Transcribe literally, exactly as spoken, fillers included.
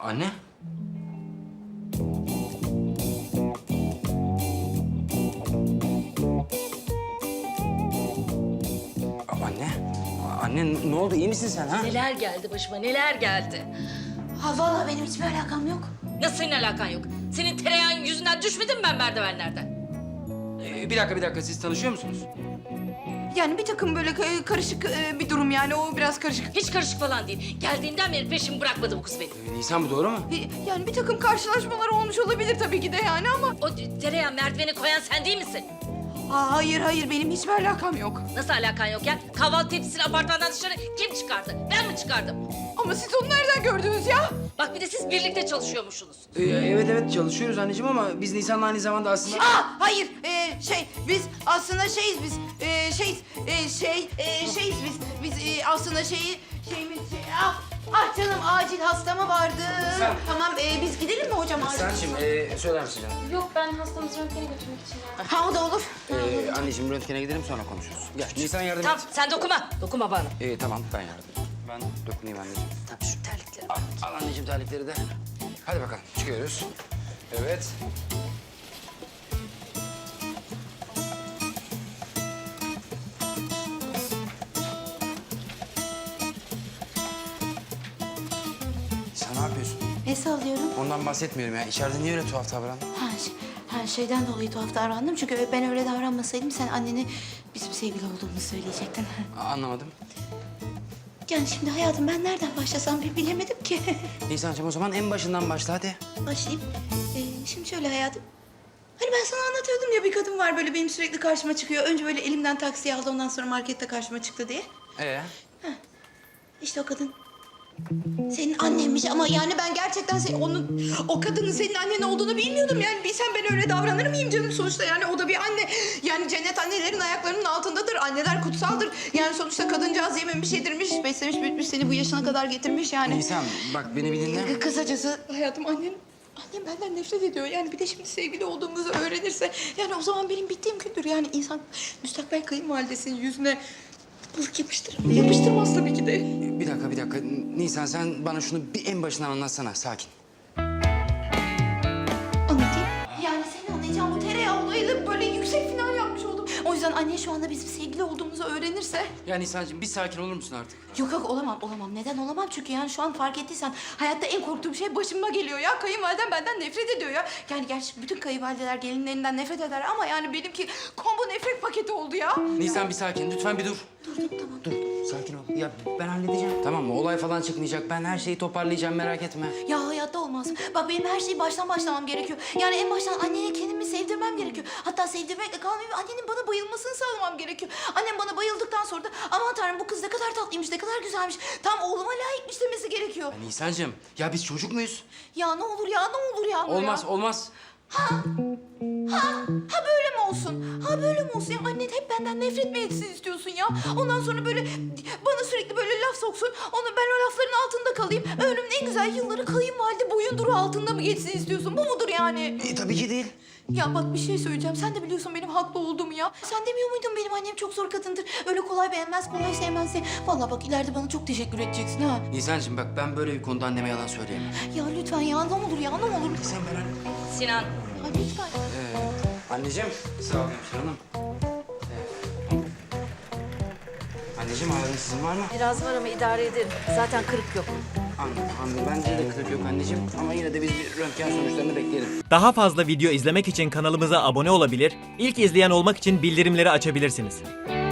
Anne? Anne? Anne ne oldu? İyi misin sen ha? Neler geldi başıma, neler geldi. Ha vallahi benim hiçbir alakam yok. Nasıl senin alakan yok? Senin tereyağın yüzünden düşmedim ben merdivenlerden. Ee, bir dakika bir dakika siz tanışıyor musunuz? Yani bir takım böyle ka- karışık e, bir durum yani o biraz karışık. Hiç karışık falan değil. Geldiğinden beri peşimi bırakmadı bu kız benim. Ee, Nisan bu doğru mu? E, Yani bir takım karşılaşmalar olmuş olabilir tabii ki de yani ama... O tereyağı merdiveni koyan sen değil misin? Aa, hayır hayır benim hiçbir alakam yok. Nasıl alakan yok ya? Kahvaltı tepsisini apartmandan dışarı kim çıkardı? Ben mi çıkardım? Ama siz onu nereden gördünüz ya? Bak bir de siz birlikte çalışıyormuşsunuz. Ee, evet evet çalışıyoruz anneciğim ama biz Nisan'la aynı zamanda aslında... Aa hayır e, şey biz aslında şeyiz biz e, şeyiz e, şey e, şeyiz biz biz e, aslında şeyi şeyimiz şey, ah, ah canım acil hasta mı vardı? Sen- Tamam e, biz gidelim mi hocam acil? Nisan'cığım ee, söyler misin canım? Yok ben hastamızı röntgene götürmek için geldim. Ha o da olur. Ee, anneciğim röntgene gidelim sonra konuşuruz. Gel Nisan yardım Tamam et. sen dokunma. Dokunma bana. Ee, tamam ben yardım edeyim. Ben dokunayım anneciğim. Tamam şu terlikleri. Al, al anneciğim terlikleri de. Hadi bakalım çıkıyoruz. Evet. Sen ne yapıyorsun? Ne sallıyorum? Ondan bahsetmiyorum ya. İçeride niye öyle tuhaf davran? Ha, şey, ha şeyden dolayı tuhaf davrandım çünkü ben öyle davranmasaydım sen annene bizim sevgili olduğumuzu söyleyecektin. Anlamadım. Yani şimdi hayatım ben nereden başlasam bir bilemedim ki. Nisan'cığım o zaman en başından başla hadi. Başlayayım. Ee, şimdi şöyle hayatım. Hani ben sana anlatıyordum ya bir kadın var böyle benim sürekli karşıma çıkıyor. Önce böyle elimden taksiye aldı ondan sonra markette karşıma çıktı diye. Ee? İşte o kadın senin annenmiş ama yani ben gerçekten sen, onun o kadının senin annen olduğunu bilmiyordum. Yani bilsem ben öyle davranır mıyım canım sonuçta yani o da bir anne. Yani cennet annelerin ayaklarının altındadır. Anneler kutsaldır. Yani sonuçta kadıncağız yememiş yedirmiş, beslemiş büyütmüş seni bu yaşına kadar getirmiş yani. Nisan bak beni bir dinle. Kısacası hayatım annem annem benden nefret ediyor. Yani bir de şimdi sevgili olduğumuzu öğrenirse yani o zaman benim bittiğim gündür. Yani insan müstakbel kayınvalidesinin yüzüne ılık yapıştırır. Yapıştırmaz tabii ki de. Bir dakika bir dakika. Nisan sen bana şunu bir en başından anlatsana sakin. Anlatayım. Yani senin anlayacağın bu tereyağı olayıyla böyle yüksek final yapmış oldum. O yüzden anne şu anda bizim sevgili olduğumuzu öğrenirse... Ya Nisan'cığım bir sakin olur musun artık? Yok yok olamam olamam. Neden olamam? Çünkü yani şu an fark ettiysen hayatta en korktuğum şey başıma geliyor ya. Kayınvalidem benden nefret ediyor ya. Yani gerçi bütün kayınvalideler gelinlerinden nefret eder ama yani benimki combo nefret paketi oldu ya. Nisan bir sakin lütfen bir dur. Dur dur tamam. Dur sakin ol. Ya ben halledeceğim. Tamam mı? Olay falan çıkmayacak. Ben her şeyi toparlayacağım merak etme. Ya hayatta olmaz. Bak benim her şeyi baştan başlamam gerekiyor. Yani en baştan annene kendimi sevdirmem gerekiyor. Hatta sevdirmekle kalmayıp annenin bana bayılmasını sağlamam gerekiyor. Annem bana bayıldıktan sonra da aman tanrım bu kız ne kadar tatlıymış, ne kadar güzelmiş. Tam oğluma layıkmış demesi gerekiyor. Ya Nisan'cığım ya biz çocuk muyuz? Ya ne olur ya ne olur ya. Olmaz ya. olmaz. Ha böyle mi olsun? Ha böyle mi olsun? Ya annen hep benden nefret mi etsin istiyorsun ya? Ondan sonra böyle bana sürekli böyle laf soksun. Onu ben o lafların altında kalayım. Ömrümün en güzel yılları kayınvalide boyunduru altında mı geçsin istiyorsun? Bu mudur yani? E, tabii ki değil. Ya bak bir şey söyleyeceğim. Sen de biliyorsun benim haklı olduğumu ya. Sen demiyor muydun benim annem çok zor kadındır. Öyle kolay beğenmez, kolay sevmez diye. Vallahi bak ileride bana çok teşekkür edeceksin ha. Nisan'cığım bak ben böyle bir konuda anneme yalan söyleyemem. Ya lütfen ya ne olur ya ne olur. Nisan ben anne. Sinan. Ha lütfen. Ee, anneciğim. Sağ ol hemşire hanım. Ee, anneciğim ağrın sizin var mı? Biraz var ama idare ederim. Zaten kırık yok. Anladım, anladım. Bence de kırık yok anneciğim. Ama yine de biz bir röntgen sonuçlarını bekleyelim. Daha fazla video izlemek için kanalımıza abone olabilir, ilk izleyen olmak için bildirimleri açabilirsiniz.